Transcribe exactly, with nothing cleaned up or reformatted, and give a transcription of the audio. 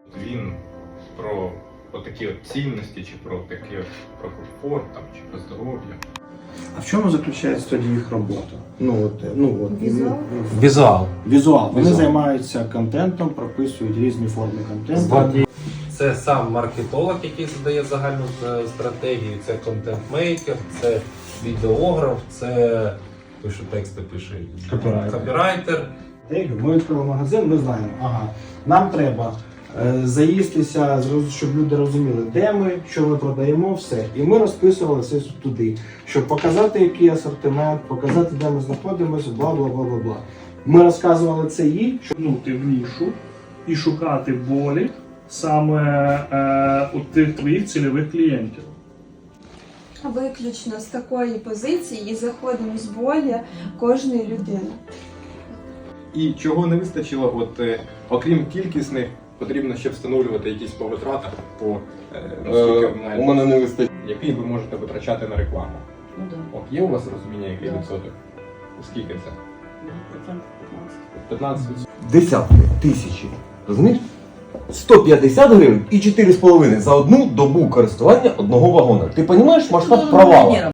Він про, про такі от цінності, чи про такі от, про комфорт, там, чи про здоров'я. А в чому заключається тоді їх робота? Ну от, ну от Візуал? ну, Візуал. Візуал. Вони Візуал. займаються контентом, прописують різні форми контенту. Це сам маркетолог, який задає загальну е, стратегію, це контент-мейкер, це відеограф, це той, що тексти пише, Копірайтер. копірайтер. Ми відкрили магазин, ми знаємо, ага, нам треба е, заїстися, зроз- щоб люди розуміли, де ми, що ми продаємо, все. І ми розписували все туди, щоб показати, який асортимент, показати, де ми знаходимося, бла бла бла бла бла. Ми розказували це їй, щоб Пнути в нішу і шукати болі саме е, у тих твоїх цільових клієнтів. Виключно з такої позиції і заходимо з болі кожної людини. І чого не вистачило, от, е, окрім кількісних, потрібно ще встановлювати якісь по витратах, по е, наскільки ви Е, у мене не вистачить. який ви можете витрачати на рекламу. Ну да. От є у вас розуміння, який Да. відсоток? Скільки це? Процентів п'ятнадцять. п'ятнадцять відсотків. Десятки, тисячі. Розумієш? сто п'ятдесят гривень і чотири з половиною за одну добу користування одного вагона. Ти розумієш масштаб провалу?